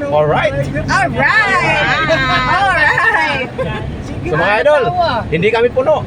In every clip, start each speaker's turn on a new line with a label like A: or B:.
A: Alright.
B: Alright!
A: So mga idol, hindi kami puno.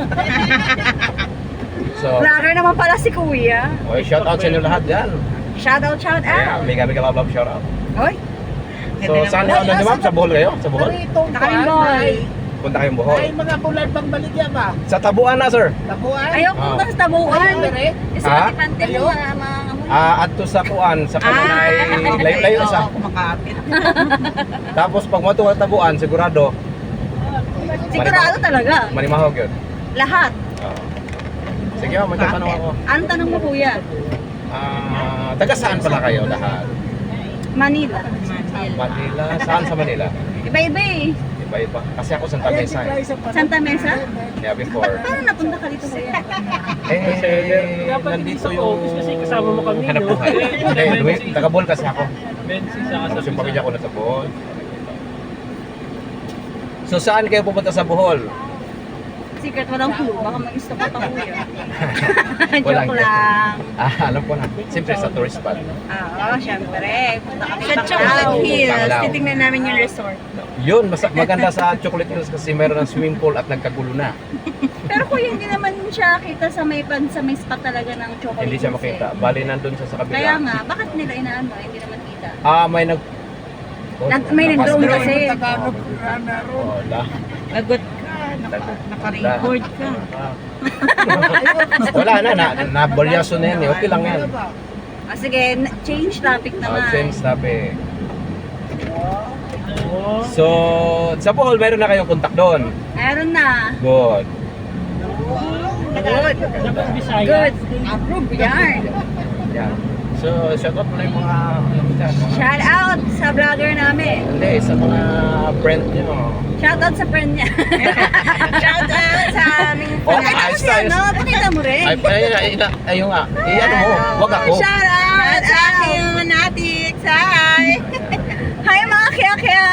A: So,
B: Vlogger naman pala si Kuya.
A: okay, shout out sa inyo lahat yan.
B: Shout out, shout
A: Yeah,
B: out.
A: mega love shout out.
B: Oy,
A: So, saan ano nyo ma'am? Sa Bohol kayo? Sa Bohol?
B: Nakalimboy.
A: Punta kayong Bohol.
C: Ay, mga bulan bang baligya ba?
A: Sa Tabuan na, sir.
C: Tabuan?
B: Ayaw ko
A: Oh.
B: sa tabuan. Kasi
A: Ha?
B: matipante mo mga
A: Adto sa kuan, sa Panay, layo-layo sa.
C: Kumakapit.
A: Tapos pag mo sa Tabuan, sigurado,
B: sigurado talaga.
A: manimahog yun.
B: Lahat.
A: Oo. Sige, magtatanong ako.
B: Anong tanong mo, Kuya?
A: Taga saan pala kayo lahat?
B: Manila.
A: Manila? Saan sa Manila?
B: Iba-iba eh.
A: Iba-iba. Kasi ako Santa Mesa eh.
B: Santa Mesa?
A: Yeah, before.
B: Paano napunta ka dito, Kuya?
A: Nandito yung
D: kasi kasama mo kami,
A: hanap
D: no?
A: buhay. Hindi, taga Bohol kasi ako.
D: Bensi sa
A: Tapos yung pamilya ko nasa Bohol. So saan kayo pupunta sa Bohol?
B: Secret, walang clue. Baka may gusto ka pa, Kuya.
A: Walang
B: Joke lang.
A: Alam ko na. Siyempre sa tourist spot.
B: Oo, syempre. Punta kami
E: Sa Chocolate
A: Hills.
E: Hills,
A: Panglao.
E: titingnan namin yung resort.
A: Yun, maganda sa Chocolate Hills kasi meron ng swimming pool at nagkagulo na.
B: Pero Kuya, hindi naman siya kita sa may spot talaga ng chocolate.
A: Hindi siya
B: Hills
A: makita.
B: eh.
A: Bali nandun siya sa kabila.
B: Kaya nga, bakit nila inaano? Hindi naman kita.
A: May
B: May nag-drone
A: Nakapas-
B: kasi.
C: Tagalog,
A: Wala.
E: Lagot ka, naka-record ka.
A: Wala na, nabolyaso na yan eh. Okay lang yan.
B: Sige, change topic naman.
A: Change topic. So, sa Bohol, meron na kayong contact doon.
B: Meron na.
A: Good.
B: Good.
D: Bisaya.
B: Good. Approve yan.
A: Yan. So, shout out mo na yung mga,
B: Shout out sa vlogger namin.
A: hindi, sa mga friend nyo.
B: Shout out sa friend niya.
E: Shout out sa aming
A: Oh,
B: Pakita mo
A: ayos
B: siya,
A: tayo.
B: no? Pakita mo rin.
A: Ayun nga. Iyan mo, wag ako.
E: Shout out sa aking manatics. Hi!
B: Hi mga kaya-kaya.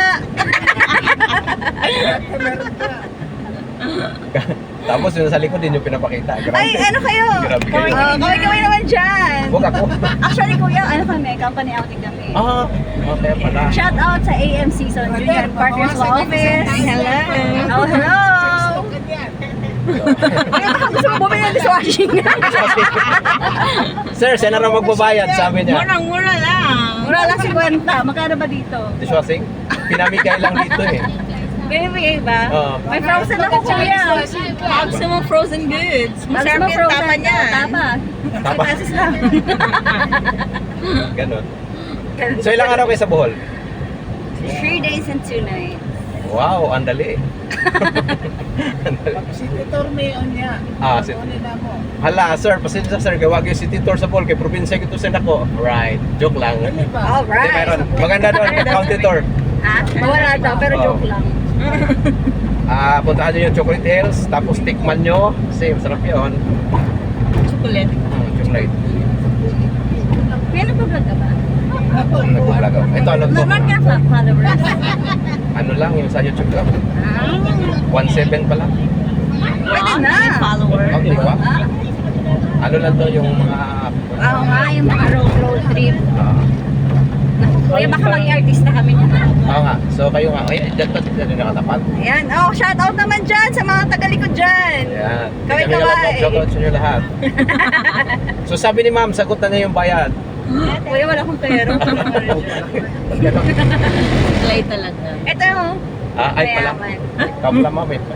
A: Tapos yung sa likod din yung pinapakita. Grabe.
B: Ay, ano kayo?
A: Grabe kayo.
B: Kaway-kaway naman dyan.
A: Wag ako.
B: Actually, kuya, ano kami? Company outing kami.
A: Okay pala.
B: Shout out sa AM Season Junior Partners Law Office.
E: Hello!
B: Oh, hello! Kaya baka gusto mo bumili ng dishwashing.
A: Sir, saan na magbabayad? Sabi niya.
E: Murang-mura lang.
B: Mura lang 50. Magkano ba dito?
A: Dishwashing? Pinamigay lang dito eh.
B: Binibigay ba?
A: Oo.
B: May frozen ako, kuya.
E: Maximum frozen goods. Masarap
B: Maximum
E: yung
B: frozen.
E: tapa niya.
B: Tapa.
A: Tapa.
B: 5 pesos lang.
A: Ganon. So ilang araw kayo sa Bohol?
B: 3 days and 2 nights.
A: Wow, andali.
C: Si Titor Mayon niya.
A: Si...
C: Ano nila mo?
A: Hala, sir, pasensya sir, gawag yung city tour sa Bohol, kay probinsya kito sa ako. Right, joke lang. Hindi,
B: Alright.
A: meron. Maganda doon, county tour.
B: Ha? Wala daw, pero
A: Oo.
B: joke lang.
A: Puntahan nyo yung Chocolate Hills, tapos tikman nyo. Same, sarap yun.
E: Chocolate.
A: Chocolate.
B: May nag-vlog ka ba?
A: Nagpapalagaw. Ito, ano to?
B: Naman ka followers.
A: Ano lang, yung sa YouTube lang.
B: Ah,
A: 1.7 pala.
B: pwede na.
E: Follower.
A: Oh, di ba?
B: Ah,
A: Ano lang to, yung mga...
B: oo nga, yung mga road trip.
A: ah,
B: Kuya, baka maging artista kami niya.
A: Oo nga. So kayo nga, ay, dyan pa dyan yung nakatapat.
B: Ayan, oh, shout out naman dyan sa mga tagalikod dyan.
A: Ayan.
B: Kaway-kaway.
A: Shout out sa inyo lahat. So sabi ni ma'am, sagot na niya yung bayad.
B: Kuya, wala akong pera.
E: Play talaga.
B: Ito yung
A: Ay pala.
B: mayaman.
A: Kapla ma'am eh.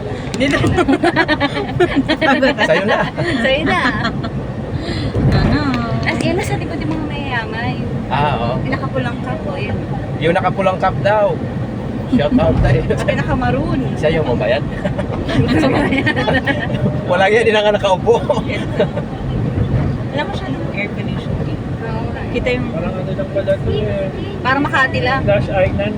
A: Sa'yo na.
B: Sa'yo na.
E: Ano?
B: As in, nasa likod yung mga mayayaman.
A: Oo.
B: Pinakapulang cup o yun.
A: Yung nakapulang cup daw. Shout out tayo.
B: Pinakamaroon.
A: Siya yung mabayad. Wala yan, hindi na nga nakaupo.
E: Wala masyadong air conditioning. Kita yung...
D: Parang ano lang pala ito eh.
B: Para Makati lang.
D: Flash Island.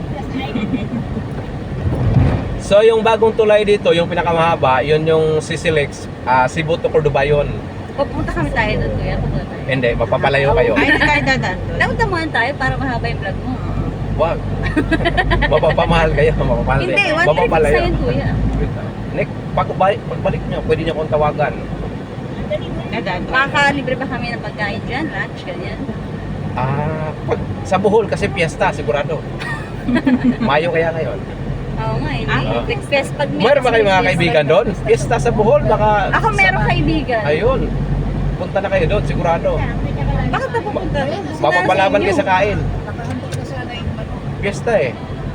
A: So yung bagong tulay dito, yung pinakamahaba, yun yung Sisilex, Cebu to Cordoba yun.
B: Pupunta kami tayo doon, kuya. Pupunta tayo.
A: Hindi, mapapalayo kayo.
E: Ay, hindi tayo dadaan doon.
B: Dapat damuhan tayo para mahaba yung vlog mo.
A: Wag. Mapapamahal kayo, mapapamahal.
B: Hindi, one trip isa yun, kuya.
A: Nick, pagbalik nyo, pwede nyo akong tawagan.
E: Dadaan doon.
B: Makakalibre ba kami ng pagkain dyan? Lunch, ganyan?
A: Sa Bohol kasi piyesta, sigurado. Mayo kaya ngayon.
B: Oo nga, hindi. Best pag may
A: Meron ba kayo mga
B: Christmas
A: kaibigan
B: lights.
A: doon? Pista sa Bohol, baka...
B: Ako meron kaibigan.
A: Ayun. Punta na kayo doon, sigurado.
B: Bakit na pupunta doon?
A: Mapapalaban kayo sa kain.
C: Nakahanda ka sana yung ano.
A: Pista eh.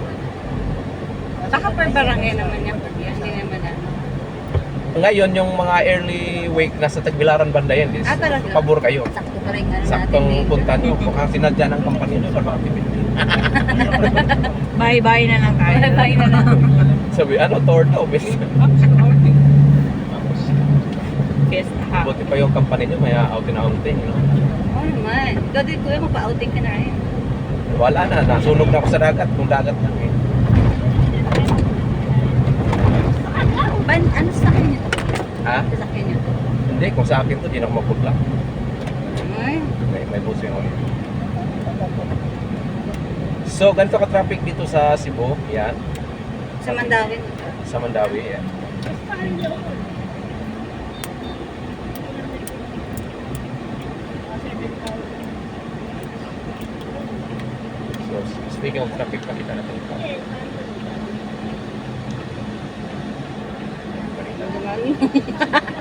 B: Baka per barangay naman yan. Hindi naman ano.
A: Ngayon, yung mga early wake nasa Tagbilaran banda yan. Is,
B: Talaga?
A: pabor kayo.
B: Sakto pa rin ano
A: Saktong
B: natin.
A: punta nyo. Mukhang sinadya ng company nyo sa mga pipili.
E: Bye-bye na lang tayo.
B: Bye-bye na lang.
A: Sabi, ano, tour daw. Best.
E: Best ha.
A: Buti pa yung company nyo, may outing-outing. No?
B: Oo naman. Ikaw din kuya, magpa-outing ka na rin.
A: Wala na, nasunog na ako sa dagat. Kung dagat lang eh.
B: Ano sa akin nyo?
A: Ha?
B: Sa akin nyo?
A: Hindi, kung sa akin to, di na ako mapudla.
B: Ay,
A: May buso yung ulit. So, ganito ka-traffic dito sa Cebu. Yan.
B: sa Mandawin.
A: Sa Mandawi. Yan. So, speaking of traffic, pakita natin ito.